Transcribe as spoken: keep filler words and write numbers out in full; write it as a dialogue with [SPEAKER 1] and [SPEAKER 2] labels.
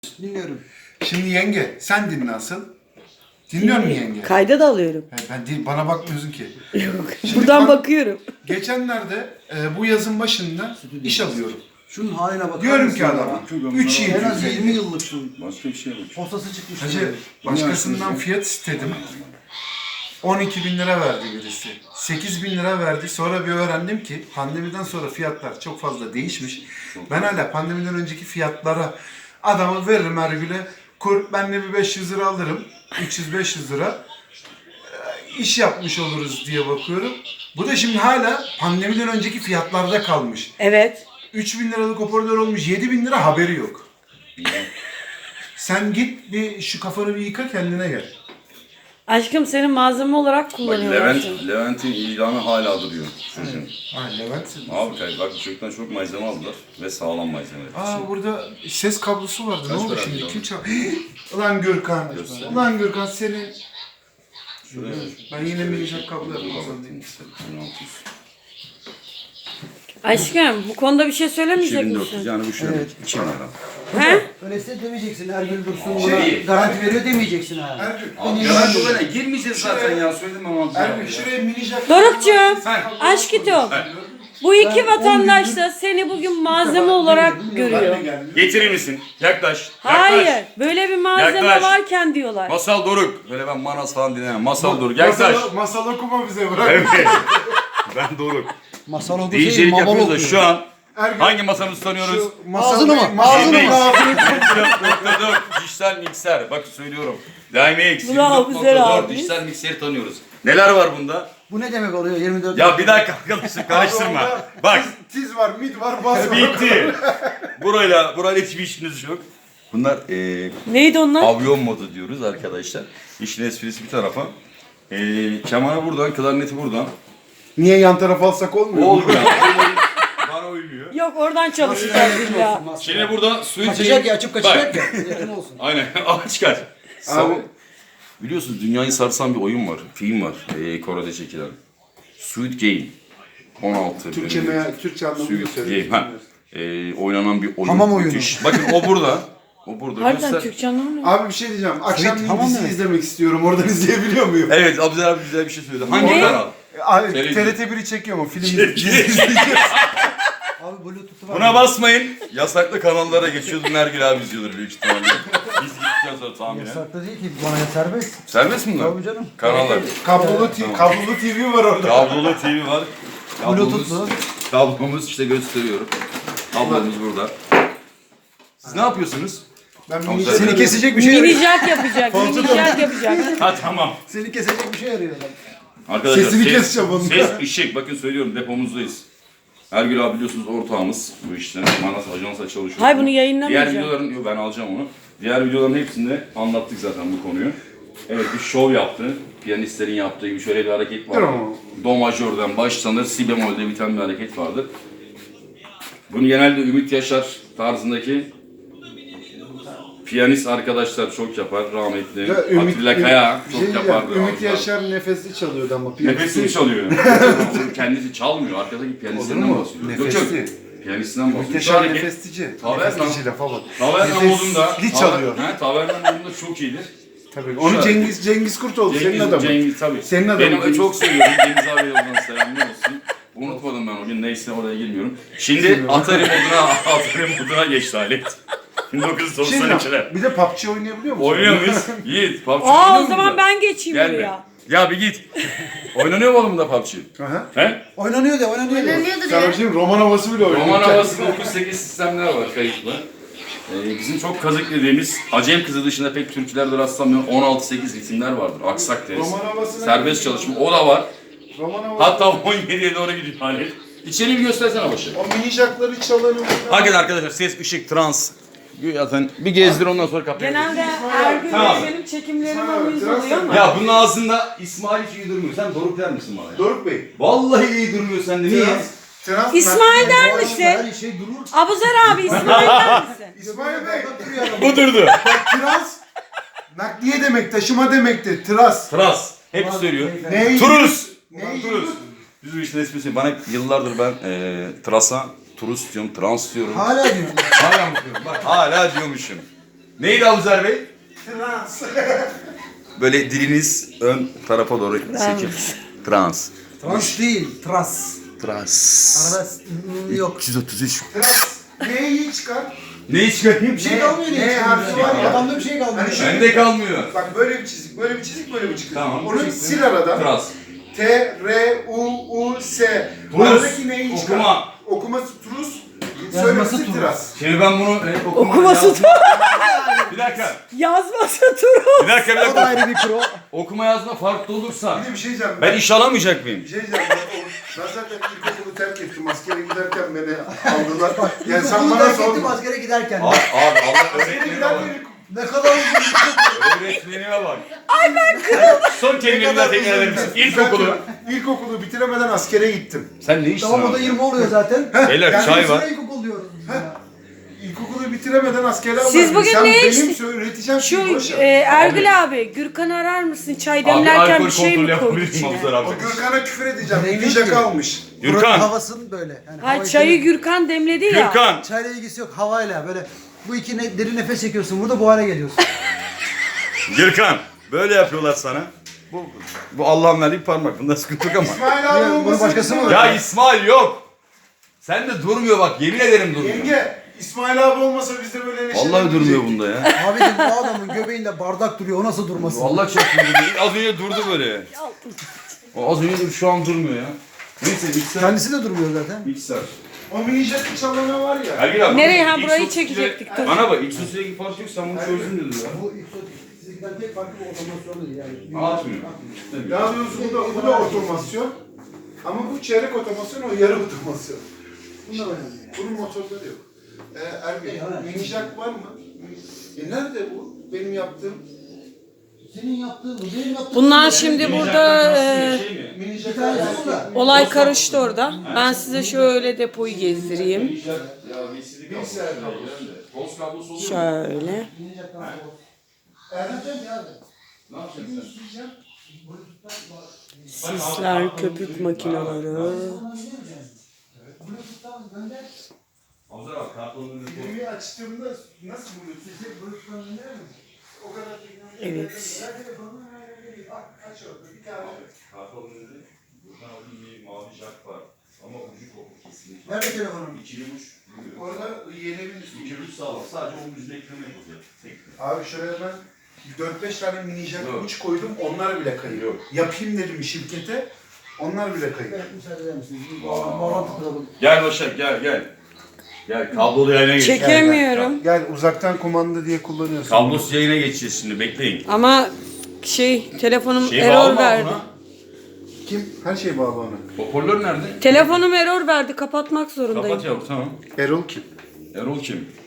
[SPEAKER 1] Dinliyorum.
[SPEAKER 2] Şimdi yenge, sen dinle asıl. Dinliyor musun yenge?
[SPEAKER 3] Kayda da alıyorum.
[SPEAKER 2] He, ben değil, bana bakmıyorsun ki.
[SPEAKER 3] Yok.
[SPEAKER 2] Şimdi
[SPEAKER 3] Buradan
[SPEAKER 2] bak-
[SPEAKER 3] bakıyorum.
[SPEAKER 2] Geçenlerde e, bu yazın başında iş alıyorum.
[SPEAKER 1] Şunun haline bakar
[SPEAKER 2] Diyorum
[SPEAKER 1] mısın
[SPEAKER 2] ki
[SPEAKER 1] ya?
[SPEAKER 2] adama, üç yıl
[SPEAKER 1] En az
[SPEAKER 2] yüz
[SPEAKER 1] yirmi
[SPEAKER 2] elli.
[SPEAKER 1] yıllıksın.
[SPEAKER 4] Başka bir şey yok.
[SPEAKER 1] Posası çıkmış.
[SPEAKER 2] Hacı, başkasından fiyat istedim. on iki bin lira verdi birisi. sekiz bin lira verdi. Sonra bir öğrendim ki pandemiden sonra fiyatlar çok fazla değişmiş. Ben hala pandemiden önceki fiyatlara adamı veririm her güne. Kur, ben de bir beş yüz lira alırım. üç yüz beş yüz lira. Ee, iş yapmış oluruz diye bakıyorum. Bu da şimdi hala pandemiden önceki fiyatlarda kalmış.
[SPEAKER 3] Evet.
[SPEAKER 2] üç bin liralık hoparlör olmuş, yedi bin lira haberi yok. Sen git bir şu kafanı bir yıka, kendine gel.
[SPEAKER 3] Aşkım senin malzeme olarak
[SPEAKER 4] Bak
[SPEAKER 3] kullanıyorlar.
[SPEAKER 4] Levent,
[SPEAKER 3] seni.
[SPEAKER 4] Levent'in ilanı hala duruyor. Çocuğun.
[SPEAKER 2] Ha Levent.
[SPEAKER 4] Abi kay- bak çocuktan çok malzeme aldılar ve sağlam malzeme.
[SPEAKER 2] Aa burada ses kablosu vardı.
[SPEAKER 4] Kaç
[SPEAKER 2] ne oldu
[SPEAKER 4] para
[SPEAKER 2] şimdi?
[SPEAKER 4] aldın?
[SPEAKER 2] Kim çal? Ulan Gürkan.
[SPEAKER 4] Göster.
[SPEAKER 2] Ulan Gürkan senin.
[SPEAKER 4] Şuraya
[SPEAKER 2] Ben yine minicik kablo yapacağım.
[SPEAKER 4] bin altı yüz.
[SPEAKER 3] Aşkım bu konuda bir şey söylemeyecek
[SPEAKER 4] iki bin dört yüz
[SPEAKER 3] misin?
[SPEAKER 4] yani bu şöyle
[SPEAKER 1] Evet.
[SPEAKER 4] iki bin lira.
[SPEAKER 3] He?
[SPEAKER 1] Öyleyse demeyeceksin. Ergül Dursun
[SPEAKER 4] Şey
[SPEAKER 1] buna
[SPEAKER 4] değil.
[SPEAKER 1] garanti veriyor demeyeceksin ha.
[SPEAKER 2] Ergün.
[SPEAKER 4] Abi garanti olana girmeyeceğiz zaten ya söyledim ama.
[SPEAKER 2] Ergün şuraya minicik.
[SPEAKER 3] Dorukcuğum, aşkım. Bu iki vatandaş da seni bugün malzeme olarak görüyor.
[SPEAKER 4] Getirir misin? Yaklaş. Yaklaş.
[SPEAKER 3] Hayır, böyle bir malzeme
[SPEAKER 4] Yaklaş.
[SPEAKER 3] varken diyorlar.
[SPEAKER 4] Masal Doruk. Böyle ben Manas falan dinlemem. Masal Doruk. Yaklaş.
[SPEAKER 2] Masal, masal okuma bize bırak.
[SPEAKER 4] Evet. Ben Doruk.
[SPEAKER 1] Masal okuyor.
[SPEAKER 4] D J'lik
[SPEAKER 1] Mamal
[SPEAKER 4] yapıyoruz da
[SPEAKER 1] okuyor.
[SPEAKER 4] şu an
[SPEAKER 2] Ergün.
[SPEAKER 4] hangi masamızı tanıyoruz?
[SPEAKER 2] Şu masal
[SPEAKER 1] Ağzını mı?
[SPEAKER 2] masal
[SPEAKER 1] Ağzını
[SPEAKER 2] değil.
[SPEAKER 1] mı?
[SPEAKER 4] nokta dört dijital mikser. Bakın söylüyorum. Dynamex
[SPEAKER 3] Bunu Abuzer abi.
[SPEAKER 4] dört dijital mikseri tanıyoruz. Neler var bunda?
[SPEAKER 1] Bu ne demek oluyor yirmi dört?
[SPEAKER 4] Ya bir dakika arkadaşım karıştırma.
[SPEAKER 2] Onda
[SPEAKER 4] Bak
[SPEAKER 2] tiz, tiz var, mid var, bas var.
[SPEAKER 4] bitti. Burayla burayla hiçbir işiniz yok. Bunlar eee
[SPEAKER 3] Neydi onlar?
[SPEAKER 4] avyon modu diyoruz arkadaşlar. İşin esprisi bir tarafa. Eee kemanı buradan, klarneti buradan.
[SPEAKER 2] Niye yan tarafa alsak olmuyor mu?
[SPEAKER 4] Olmuyor. Bana uymuyor.
[SPEAKER 3] Yok oradan çalışacağız illa.
[SPEAKER 4] Şimdi burada suyu
[SPEAKER 1] Kaçacak ya açıp kaçacak
[SPEAKER 4] Bak.
[SPEAKER 1] ya. Yakın olsun.
[SPEAKER 4] Aynen. Aç kaç.
[SPEAKER 2] Abi.
[SPEAKER 4] Biliyorsunuz dünyayı sarsan bir oyun var. Film var. Ee, Kore'de çekilen. Squid Game. on altı.
[SPEAKER 2] Türkçe
[SPEAKER 4] bölüm.
[SPEAKER 2] meğer, Türkçe anlamını
[SPEAKER 4] Squid
[SPEAKER 2] söyle.
[SPEAKER 4] Game. Ha. Ee, oynanan bir oyun.
[SPEAKER 1] Hamam oyunu.
[SPEAKER 4] Müthiş. Bakın o burada. O burada.
[SPEAKER 3] Harbiden
[SPEAKER 4] Göster.
[SPEAKER 3] Türkçe anlamı ne?
[SPEAKER 2] Abi bir şey diyeceğim. Akşam
[SPEAKER 1] Evet, tamam
[SPEAKER 2] dizi
[SPEAKER 1] mı?
[SPEAKER 2] izlemek istiyorum. Oradan izleyebiliyor muyum?
[SPEAKER 4] Evet. Abdülhamid abi güzel bir şey söyledi. Hangi
[SPEAKER 3] Ne?
[SPEAKER 4] kanal?
[SPEAKER 2] Abi
[SPEAKER 4] Televizyon.
[SPEAKER 2] T R T biri çekiyor mu? Film
[SPEAKER 4] Çekiyor.
[SPEAKER 2] izleyeceğiz.
[SPEAKER 1] Abi Bluetooth'u var.
[SPEAKER 4] Buna basmayın. Yasaklı kanallara geçiyoruz. Nergül abi izliyordur büyük ihtimalle. Biz gittikten sonra tahminen.
[SPEAKER 1] Yasaklı değil ki bana serbest.
[SPEAKER 4] Serbest mi bunlar?
[SPEAKER 1] Tabii canım.
[SPEAKER 4] Kanallar.
[SPEAKER 2] Kablolu, t- kablolu T V var orada.
[SPEAKER 4] Kablolu T V var. Kablomuz,
[SPEAKER 1] Bluetooth'lu.
[SPEAKER 4] kablomuz işte gösteriyorum. Kablomuz burada. Siz ne yapıyorsunuz?
[SPEAKER 2] Ben
[SPEAKER 4] Tamam,
[SPEAKER 2] minicik-
[SPEAKER 1] Seni kesecek bir şey arıyor.
[SPEAKER 3] Minicak yapacak, minicak yapacak.
[SPEAKER 4] Ha tamam.
[SPEAKER 1] Seni kesecek bir şey arıyor adam.
[SPEAKER 4] Arkadaşlar
[SPEAKER 2] Sesini
[SPEAKER 4] ses,
[SPEAKER 2] keseceğim onun.
[SPEAKER 4] ses, ışık. Bakın söylüyorum depomuzdayız. Ergül abi biliyorsunuz ortağımız bu işte. Manas ajansa çalışıyor.
[SPEAKER 3] Hayır, bunu
[SPEAKER 4] Diğer
[SPEAKER 3] yayınlamayacağım.
[SPEAKER 4] videoların, yok ben alacağım onu. Diğer videoların hepsinde anlattık zaten bu konuyu. Evet bir şov yaptı. Piyanistlerin yaptığı gibi şöyle bir hareket vardı.
[SPEAKER 2] Tamam.
[SPEAKER 4] Do majörden başlanır, si bemolde biten bir hareket vardır. Bunu genelde Ümit Yaşar tarzındaki piyanist arkadaşlar çok yapar. Rahmetli
[SPEAKER 2] Ya Ümit-
[SPEAKER 4] Atilla
[SPEAKER 2] Ümit-
[SPEAKER 4] Kaya
[SPEAKER 2] bir
[SPEAKER 4] çok
[SPEAKER 2] şey diyeceğim.
[SPEAKER 4] yapardı.
[SPEAKER 2] Ümit
[SPEAKER 4] Ağzından.
[SPEAKER 2] Yaşar nefesli çalıyordu ama.
[SPEAKER 4] Nefesini çalıyor. Onun kendisi çalmıyor. Arkadaki
[SPEAKER 2] Olur
[SPEAKER 4] piyanistlerinden
[SPEAKER 2] mu?
[SPEAKER 4] bahsediyor. Yok,
[SPEAKER 2] Nefesli.
[SPEAKER 4] yok. Piyanistinden bahsediyor.
[SPEAKER 2] Ümit Yaşar
[SPEAKER 4] Sadece-
[SPEAKER 2] nefestici.
[SPEAKER 4] Taverna.
[SPEAKER 2] Nefestici lafa bak.
[SPEAKER 4] Taverna modunda.
[SPEAKER 2] Nefesli çalıyor.
[SPEAKER 4] He, Taverna modunda çok iyidir.
[SPEAKER 2] Tabii. Onu
[SPEAKER 4] Şöyle.
[SPEAKER 2] Cengiz Cengiz Kurtoğlu senin
[SPEAKER 4] Cengiz,
[SPEAKER 2] adamın.
[SPEAKER 4] Cengiz tabii.
[SPEAKER 2] Senin adamın
[SPEAKER 4] Benim
[SPEAKER 2] Cengiz.
[SPEAKER 4] çok seviyorum. Cengiz abiye yoldan selamlar olsun. Unutmadım ben o gün. Neyse oraya girmiyorum. Şimdi Atari moduna, Atari moduna geçti alet. bin dokuz yüz doksan ikiler.
[SPEAKER 2] Şimdi bir de P U B G oynayabiliyor musun?
[SPEAKER 4] Oynuyor muyuz? Yiğit. P U B G
[SPEAKER 3] Aa
[SPEAKER 4] oynuyor
[SPEAKER 3] o zaman
[SPEAKER 4] muyuz?
[SPEAKER 3] ben geçeyim
[SPEAKER 4] Gelme.
[SPEAKER 3] buraya.
[SPEAKER 4] Ya bir git. Oynanıyor mu oğlum da P U B G?
[SPEAKER 2] Aha.
[SPEAKER 4] He?
[SPEAKER 1] Oynanıyor de oynanıyor de.
[SPEAKER 2] Sana bir şey mi? Roman havası bile oynuyor.
[SPEAKER 4] Roman havasında dokuz sekiz sistemler var kayıtlı. Ee, bizim çok kazık dediğimiz Acem Kızı dışında pek türkülerde rastlanmayan on altı sekiz ritimler vardır. Aksak deriz.
[SPEAKER 2] Roman havasına
[SPEAKER 4] Serbest çalışma o da var.
[SPEAKER 2] Roman havası.
[SPEAKER 4] Hatta on yediye doğru gidiyor alet. İçeriği bir göstersene başı.
[SPEAKER 2] O mini jackları çalanı.
[SPEAKER 4] Hakikaten arkadaşlar ses, ışık, trans. Zaten bir gezdir ondan sonra kapıyı.
[SPEAKER 3] Genelde Ergün
[SPEAKER 4] Tamam.
[SPEAKER 3] ve benim çekimlerim
[SPEAKER 2] İsmail abi,
[SPEAKER 3] uyuz
[SPEAKER 2] biraz
[SPEAKER 3] oluyor ama.
[SPEAKER 4] Ya bunun ağzında İsmail hiç iyi durmuyor. Sen Doruk der misin bana ya?
[SPEAKER 2] Doruk Bey.
[SPEAKER 4] Vallahi iyi durmuyor sende. Niye?
[SPEAKER 2] Trans. Trans.
[SPEAKER 3] İsmail der
[SPEAKER 1] Bu
[SPEAKER 3] misin?
[SPEAKER 1] Her şey durur.
[SPEAKER 3] Abuzer abi İsmail der misin?
[SPEAKER 2] İsmail Bey.
[SPEAKER 4] Bu durdu.
[SPEAKER 2] Bak trans. Nakliye demek, taşıma demektir. Tras.
[SPEAKER 4] Trans. Hep söylüyor.
[SPEAKER 2] Ne?
[SPEAKER 4] Turus.
[SPEAKER 2] Ne?
[SPEAKER 4] Turus. Biz bu işin esprisi. Bana yıllardır ben e, trasa, turus diyorum, trans diyorum.
[SPEAKER 1] Hala diyor.
[SPEAKER 4] Hala mı diyorum? Bak hala diyormuşum. Neydi Abuzer Bey?
[SPEAKER 1] Trans.
[SPEAKER 4] Böyle diliniz ön tarafa doğru çekil. Trans.
[SPEAKER 1] Trans değil, tras.
[SPEAKER 4] Trans.
[SPEAKER 1] Arada ıı, yok.
[SPEAKER 4] üç yüz otuz üç.
[SPEAKER 1] Trans. N'yi çıkar.
[SPEAKER 4] Neyi çıkarayım?
[SPEAKER 1] Bir şey kalmıyor
[SPEAKER 2] Ne
[SPEAKER 1] ne
[SPEAKER 2] harfi var ya?
[SPEAKER 1] Adamda bir şey kalmıyor.
[SPEAKER 2] Hani şöyle-
[SPEAKER 4] Bende kalmıyor.
[SPEAKER 2] Bak böyle bir çizik, böyle bir çizik, böyle bir çizik.
[SPEAKER 4] Tamam.
[SPEAKER 2] Onu sil aradan.
[SPEAKER 4] Trans.
[SPEAKER 2] T, R, U, U, S.
[SPEAKER 4] Trus.
[SPEAKER 2] Aradaki neyi çıkar?
[SPEAKER 4] Okuma.
[SPEAKER 2] Okuması trus.
[SPEAKER 1] Yazması
[SPEAKER 2] Söylemesi
[SPEAKER 1] trus.
[SPEAKER 2] tras.
[SPEAKER 4] Şimdi ben bunu e, okuma,
[SPEAKER 3] Okuması
[SPEAKER 4] yazma- Bir dakika.
[SPEAKER 3] Yazması Turu.
[SPEAKER 4] Bir dakika bir
[SPEAKER 1] O da
[SPEAKER 4] dakika.
[SPEAKER 1] ayrı bir pro.
[SPEAKER 4] Okuma yazma farklı olursa
[SPEAKER 2] Bir de bir şey diyeceğim.
[SPEAKER 4] ben iş alamayacak mıyım?
[SPEAKER 2] Bir şey diyeceğim. Ben, o- ben zaten ilkokulu terk ettim. Askere giderken beni aldılar. Yani sen
[SPEAKER 1] İlkokulu
[SPEAKER 2] bana
[SPEAKER 1] terk ettim
[SPEAKER 2] sorma.
[SPEAKER 1] askere giderken.
[SPEAKER 4] Abi, abi Allah
[SPEAKER 2] Askere
[SPEAKER 4] öğretmenime bak.
[SPEAKER 2] giderken
[SPEAKER 1] Ne kadar uzun.
[SPEAKER 4] Öğretmenime bak. Ay ben kırıldım. Son kelimeni de tekrar eder misin? İlkokulu.
[SPEAKER 2] İlkokulu bitiremeden askere gittim.
[SPEAKER 4] Sen ne işsin
[SPEAKER 1] Tamam o da
[SPEAKER 4] abi?
[SPEAKER 1] yirmi oluyor zaten.
[SPEAKER 4] Beyler
[SPEAKER 2] Yani
[SPEAKER 4] çay
[SPEAKER 1] Sonra
[SPEAKER 4] var.
[SPEAKER 1] ilkokul diyoruz biz ya.
[SPEAKER 2] İlkokulu bitiremeden askere aldılar.
[SPEAKER 3] Siz bugün
[SPEAKER 2] Sen
[SPEAKER 3] ne
[SPEAKER 2] benim
[SPEAKER 3] içtin?
[SPEAKER 2] söyle- üreteceğim
[SPEAKER 3] Şu
[SPEAKER 2] şeyi boş ver.
[SPEAKER 3] e, Ergül abi, Gürkan'ı arar mısın? Çay
[SPEAKER 4] Abi
[SPEAKER 3] demlerken
[SPEAKER 4] alkol
[SPEAKER 3] bir şey
[SPEAKER 4] kontrolü
[SPEAKER 3] mi koydu
[SPEAKER 4] yapabilir miyim
[SPEAKER 3] içine?
[SPEAKER 4] Abuzer abi?
[SPEAKER 2] O Gürkan'a küfür edeceğim.
[SPEAKER 1] Direkt
[SPEAKER 2] Ninja
[SPEAKER 1] ki.
[SPEAKER 2] kalmış.
[SPEAKER 1] Buranın
[SPEAKER 4] Gürkan.
[SPEAKER 1] havasının böyle. Yani
[SPEAKER 3] Ha
[SPEAKER 1] hava
[SPEAKER 3] çayı
[SPEAKER 1] içinde-
[SPEAKER 3] Gürkan demledi ya.
[SPEAKER 4] Gürkan.
[SPEAKER 1] Çayla ilgisi yok havayla böyle. Bu iki ne, derin nefes çekiyorsun burada bu hale geliyorsun.
[SPEAKER 4] Gürkan. Böyle yapıyorlar sana. Bu, bu Allah'ın verdiği bir parmak. Bunda sıkıntı yok ama.
[SPEAKER 2] İsmail
[SPEAKER 1] Ya,
[SPEAKER 2] abi
[SPEAKER 1] bunu
[SPEAKER 2] olmasın.
[SPEAKER 1] başkası mı
[SPEAKER 4] Ya İsmail yok. Sen de durmuyor bak. Yemin ederim durmuyor.
[SPEAKER 2] Yenge, İsmail abi olmasa biz de böyle neşelenmeyecektik.
[SPEAKER 4] Vallahi durmuyor bunda ya.
[SPEAKER 1] Abicim bu adamın göbeğinde bardak duruyor o nasıl durmasın?
[SPEAKER 4] Vallahi çok durdu. Az önce durdu böyle. O az önce dur, şu an durmuyor ya. Neyse mikser.
[SPEAKER 1] Kendisi de durmuyor zaten.
[SPEAKER 4] Mikser.
[SPEAKER 2] O mini jack'ı çalana var ya.
[SPEAKER 4] Ergin abi.
[SPEAKER 3] Nereye? Ha,
[SPEAKER 4] X
[SPEAKER 3] burayı
[SPEAKER 4] otuz ikide
[SPEAKER 3] çekecektik, dur.
[SPEAKER 4] Bana bak X otuz ikideki fark yok sen bunu çözdün dedi ya.
[SPEAKER 1] Bu ikisinden tek farkı bu otomasyonu değil yani.
[SPEAKER 4] Atmıyor.
[SPEAKER 2] Daha doğrusu bu da, bu da otomasyon. Ama bu çeyrek otomasyon, o yarı otomasyon.
[SPEAKER 1] Bunlar önemli.
[SPEAKER 2] Bunun motorları yok. Ee, Ergin, mini jack var mı? E nerede bu? Benim yaptığım
[SPEAKER 1] Senin yaptığın bu benim yaptığım.
[SPEAKER 3] Bunlar şimdi burada e,
[SPEAKER 4] Şey mi?
[SPEAKER 2] mini jack
[SPEAKER 1] Bir tanesi
[SPEAKER 2] var.
[SPEAKER 1] burada.
[SPEAKER 3] olay karıştı orada. Ben size şöyle depoyu gezdireyim.
[SPEAKER 4] Ya V C D kablosu. Toz kablosu oluyor mu?
[SPEAKER 3] Şöyle.
[SPEAKER 1] Erdem ya.
[SPEAKER 4] Ne yapacaksın sen?
[SPEAKER 3] Sisler, köpük makineleri.
[SPEAKER 4] Abuzer abi kartonun önünde koy.
[SPEAKER 2] Videoyu açtığımda nasıl buluyorsun? O kadar teknoloji.
[SPEAKER 3] Evet.
[SPEAKER 2] Bak aç orada bir tane.
[SPEAKER 4] Kartonun önünde buradan alayım bir mavi jack var. Ama ucu kopuk kesinlikle.
[SPEAKER 1] Nerede telefonum?
[SPEAKER 4] İkili uç. duruyor.
[SPEAKER 2] Orada yeni bir
[SPEAKER 4] İkili uç sağlam. Sadece onun yüzüne ekleme yapılacak. Tek.
[SPEAKER 2] Abi şuraya ben dört beş tane mini jack
[SPEAKER 4] Yok.
[SPEAKER 2] uç koydum, onlar bile kayıyor.
[SPEAKER 4] Yok.
[SPEAKER 2] Yapayım dedim şirkete, onlar bile kayıyor.
[SPEAKER 1] Evet müsaade eder misiniz? Bir bağlan- Bağlantı kuralım.
[SPEAKER 4] Gel Başak gel gel. Gel kablolu yayına geç.
[SPEAKER 3] Çekemiyorum.
[SPEAKER 2] Gel uzaktan kumanda diye kullanıyorsun.
[SPEAKER 4] Kablosuz yayına geçeceğiz şimdi bekleyin.
[SPEAKER 3] Ama şey telefonum
[SPEAKER 4] Şey
[SPEAKER 3] error
[SPEAKER 4] bağlı mı
[SPEAKER 3] verdi.
[SPEAKER 4] buna?
[SPEAKER 2] Kim? Her şey bağlı ona.
[SPEAKER 4] Hoparlör nerede?
[SPEAKER 3] Telefonum error verdi. Kapatmak zorundayım.
[SPEAKER 4] Kapat yavrum tamam.
[SPEAKER 2] Erol kim?
[SPEAKER 4] Erol kim?